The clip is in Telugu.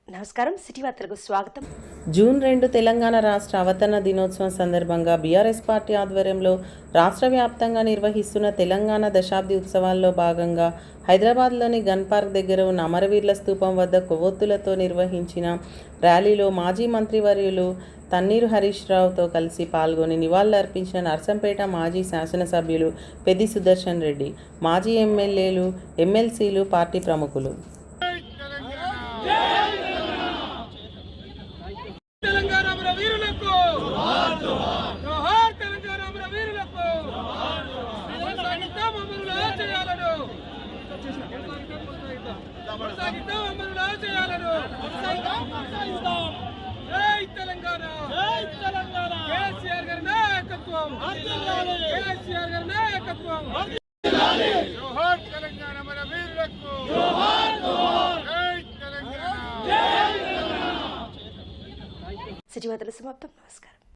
నమస్కారం. సిటీ వార్తలకు స్వాగతం. జూన్ 2 తెలంగాణ రాష్ట్ర అవతరణ దినోత్సవం సందర్భంగా బీఆర్ఎస్ పార్టీ ఆధ్వర్యంలో రాష్ట్ర వ్యాప్తంగా నిర్వహిస్తున్న తెలంగాణ దశాబ్ది ఉత్సవాల్లో భాగంగా హైదరాబాద్లోని గన్ పార్క్ దగ్గర ఉన్న అమరవీరుల స్తూపం వద్ద కొవ్వొత్తులతో నిర్వహించిన ర్యాలీలో మాజీ మంత్రివర్యులు తన్నీరు హరీష్ రావుతో కలిసి పాల్గొని నివాళులర్పించిన నర్సంపేట మాజీ శాసనసభ్యులు పెద్ది సుదర్శన్ రెడ్డి, మాజీ ఎమ్మెల్యేలు, ఎమ్మెల్సీలు, పార్టీ ప్రముఖులు. సిటీ వార్తలు సమాప్తం. నమస్కారం.